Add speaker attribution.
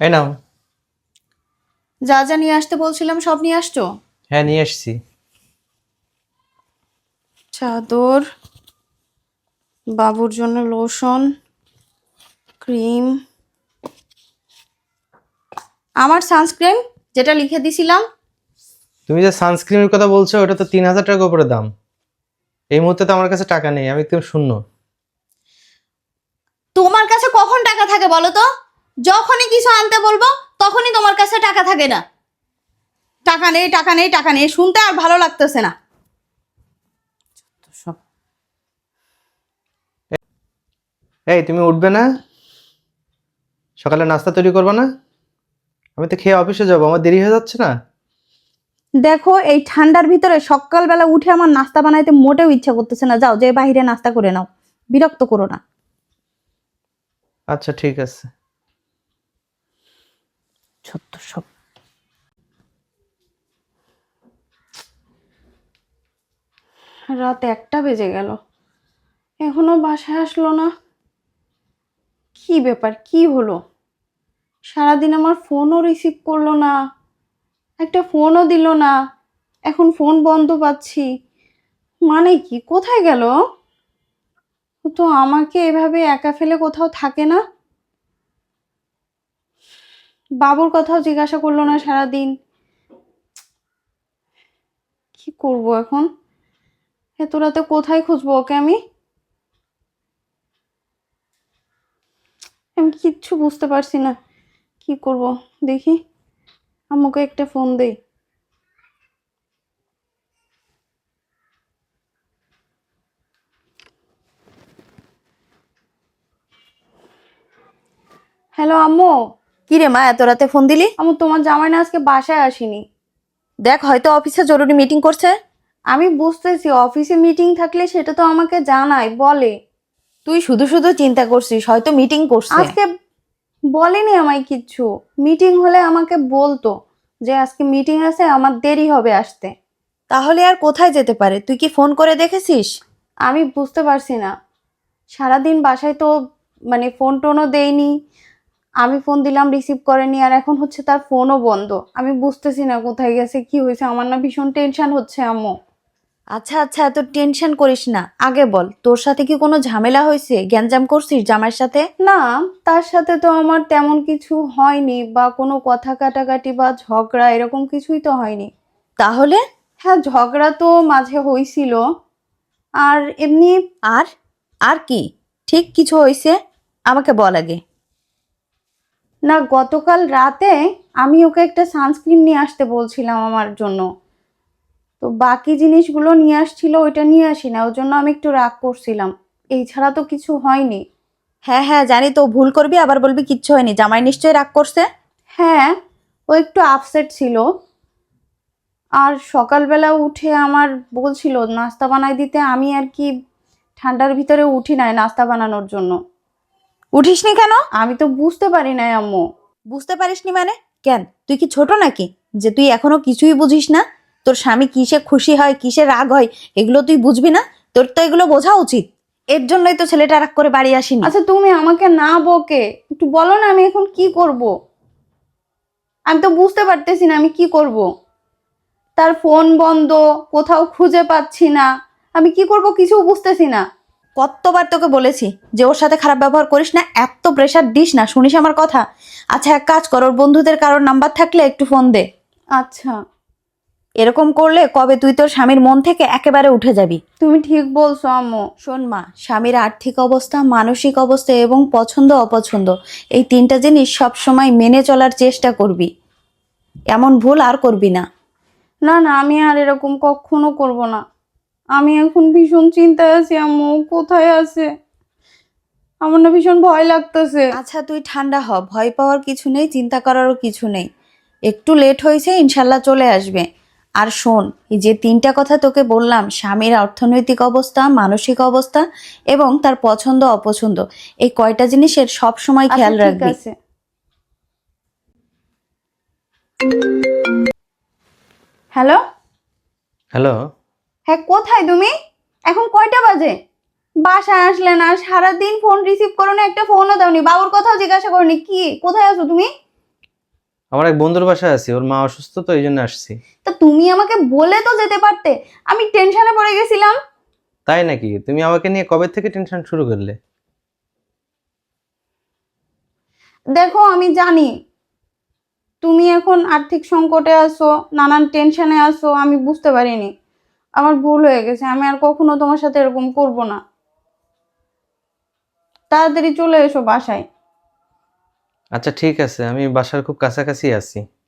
Speaker 1: এই নাও।
Speaker 2: যা যা নিয়ে আসতে বলছিলাম সব নিয়ে আসছো?
Speaker 1: হ্যাঁ, নিয়ে এসেছি।
Speaker 2: চাদর, বাবুর জন্য লোশন, ক্রিম, আমার সানস্ক্রিন যেটা লিখে দিছিলাম।
Speaker 1: তুমি যে সানস্ক্রিনের কথা বলছো ওটা তো 3,000 টাকা উপরে দাম। এই মুহূর্তে তো আমার কাছে টাকা নেই, আমি একদম শূন্য।
Speaker 2: তোমার কাছে কখন টাকা থাকে বলো তো? যখনই কিছু আনতে বলবো তখনই তোমার কাছে টাকা থাকে না। টাকা নেই, টাকা নেই, টাকা নেই, শুনতে আর ভালো লাগতেছে না সব।
Speaker 1: এই, তুমি উঠবে না? সকালে নাস্তা তৈরি করবে না? আমি তো খেয়ে অফিসে যাবো, আমার দেরি হয়ে যাচ্ছে না?
Speaker 2: দেখো, এই ঠান্ডার ভিতরে সকালবেলা উঠে আমার নাস্তা বানাইতে মোটেও ইচ্ছা করতেছে না। যাও, যে বাইরে নাস্তা করে নাও, বিরক্ত করো না।
Speaker 1: আচ্ছা, ঠিক আছে।
Speaker 2: সত্য সব। রাত 1টা বেজে গেল, এখনো বাসায় আসলো না। কি ব্যাপার, কি হলো? সারাদিন আমার ফোনও রিসিভ করলো না, একটা ফোনও দিল না, এখন ফোন বন্ধ পাচ্ছি। মানে কি, কোথায় গেল? ও তো আমাকে এভাবে একা ফেলে কোথাও থাকে না। বাবুর কথাও জিজ্ঞাসা করলো না সারাদিন। কি করব এখন? এত রাতে কোথায় খুঁজবো ওকে আমি? আমি কিচ্ছু বুঝতে পারছি না কি করব। দেখি, আম্মুকে একটা ফোন দেই। হ্যালো আম্মু।
Speaker 3: কি রে মা, এত রাতে ফোন দিলি?
Speaker 2: আম্মু, তোমার জামাই না আজকে বাসায় আসেনি।
Speaker 3: দেখ, হয়তো অফিসে জরুরি মিটিং করছে।
Speaker 2: আমি বুঝতেছি, অফিসে মিটিং থাকলে সেটা তো আমাকে জানায়, বলে।
Speaker 3: তুই শুধু শুধু চিন্তা করছিস, হয়তো মিটিং করছে।
Speaker 2: আজকে বলেনি আমায় কিচ্ছু। মিটিং হলে আমাকে বলতো যে আজকে মিটিং আছে, আমার দেরি হবে আসতে।
Speaker 3: তাহলে আর কোথায় যেতে পারে? তুই কি ফোন করে দেখেছিস?
Speaker 2: আমি বুঝতে পারছি না, সারাদিন বাসায় তো মানে ফোন টোনও দেয়নি। আমি ফোন দিলাম, রিসিভ করেনি, আর এখন হচ্ছে তার ফোনও বন্ধ। আমি বুঝতেছি না কোথায় গেছে, কি হয়েছে। আমার না ভীষণ টেনশন হচ্ছে আম্মু।
Speaker 3: আচ্ছা আচ্ছা, এত টেনশন করিস না। আগে বল, তোর সাথে কি কোনো ঝামেলা হয়েছে? গ্যাঞ্জাম করছিস জামাইয়ের সাথে?
Speaker 2: না, তার সাথে তো আমার তেমন কিছু হয়নি, বা কোনো কথা কাটাকাটি বা ঝগড়া এরকম কিছুই তো হয়নি।
Speaker 3: তাহলে?
Speaker 2: হ্যাঁ, ঝগড়া তো মাঝে হয়েছিল, আর এমনি।
Speaker 3: আর আর কি ঠিক কিছু হয়েছে? আমাকে বল আগে।
Speaker 2: না, গতকাল রাতে আমি ওকে একটা সানস্ক্রিন নিয়ে আসতে বলছিলাম আমার জন্য, তো বাকি জিনিসগুলো নিয়ে আসছিল, ওইটা নিয়ে আসি না, ওর জন্য আমি একটু রাগ করছিলাম। এই ছাড়া তো কিছু হয়নি।
Speaker 3: হ্যাঁ হ্যাঁ, জানি তো। ভুল করবি আবার বলবি কিচ্ছু হয়নি। জামাই নিশ্চয়ই রাগ করছে।
Speaker 2: হ্যাঁ, ও একটু আপসেট ছিল। আর সকালবেলা উঠে আমার বলছিল নাস্তা বানাই দিতে, আমি আর কি ঠান্ডার ভিতরে উঠি নাই নাস্তা বানানোর জন্য।
Speaker 3: উঠিসনি কেন?
Speaker 2: আমি তো বুঝতে পারি নাই আম্মু।
Speaker 3: বুঝতে পারিসনি মানে? কেন, তুই কি ছোট নাকি যে তুই এখনো কিছুই বুঝিস না? তোর স্বামী কিসে খুশি হয়, কিসে রাগ হয়, এগুলো তুই বুঝবি না? তোর তো এগুলো বোঝা উচিত। এর জন্যই তো ছেলেটা রাগ করে বাড়ি আসেনি।
Speaker 2: আচ্ছা, তুমি আমাকে না বকে একটু বলো না, আমি এখন কি করব? আমি তো বুঝতে পারতেছি না আমি কি করব। তার ফোন বন্ধ, কোথাও খুঁজে পাচ্ছি না, আমি কি করব কিছু বুঝতেছি না।
Speaker 3: কতবার তোকে বলেছি যে ওর সাথে খারাপ ব্যবহার করিস না, এত প্রেশার দিস না। শুনিস আমার কথা? আচ্ছা, এক কাজ কর, ওর বন্ধুদের কারোর নাম্বার থাকলে একটু ফোন দে।
Speaker 2: আচ্ছা,
Speaker 3: এরকম করলে কবে তুই তোর স্বামীর মন থেকে একেবারে উঠে যাবি।
Speaker 2: তুমি ঠিক বলছো আম্মু।
Speaker 3: শোন মা, স্বামীর আর্থিক অবস্থা, মানসিক অবস্থা এবং পছন্দ অপছন্দ, এই তিনটা জিনিস সব সময় মেনে চলার চেষ্টা করবি। এমন ভুল আর করবি না।
Speaker 2: না না, আমি আর এরকম কখনো করব না। আমি এখন ভীষণ চিন্তায় আছি আম্মু, কোথায় আছে? আমার না ভীষণ ভয় লাগতেছে।
Speaker 3: আচ্ছা, তুই ঠান্ডা হ, ভয় পাওয়ার কিছু নেই, চিন্তা করারও কিছু নেই। একটু লেট হয়েছে, ইনশাল্লাহ চলে আসবে। আর শোন, এই যে তিনটা কথা তোকে বললাম, স্বামীর অর্থনৈতিক অবস্থা, মানসিক অবস্থা এবং তার পছন্দ অপছন্দ, এই কয়টা জিনিসের সব সময়
Speaker 2: আচ্ছা,
Speaker 3: খেয়াল
Speaker 2: ঠিক
Speaker 3: রাখবি।
Speaker 2: আছে। হ্যালো।
Speaker 1: হ্যালো।
Speaker 2: হ্যাঁ, কোথায় তুমি? এখন কয়টা বাজে? বাসায় আসলে না, সারাদিন ফোন রিসিভ করো না, একটা ফোনও দাওনি, বাবুর কথাও জিজ্ঞাসা করনি, কি কোথায় আছো তুমি?
Speaker 1: আমার এক বন্ধুর বাসায় আছি, ওর মা অসুস্থ তো এই জন্য আসছি।
Speaker 3: তা তুমি আমাকে বলে তো যেতে পারতে, আমি টেনশনে পড়ে গেছিলাম।
Speaker 1: তাই নাকি? তুমি আমাকে নিয়ে কবে থেকে টেনশন শুরু করলে?
Speaker 2: দেখো আমি জানি তুমি এখন আর্থিক সংকটে আছো, নানান টেনশনে আছো, আমি বুঝতে পারিনি। আমার ভুল হয়ে গেছে, আমি আর কখনো তোমার সাথে এরকম করব না। তাড়াতাড়ি চলে এসো বাসায়।
Speaker 1: আচ্ছা ঠিক আছে, আমি বাসার খুব কাছাকাছি আছি।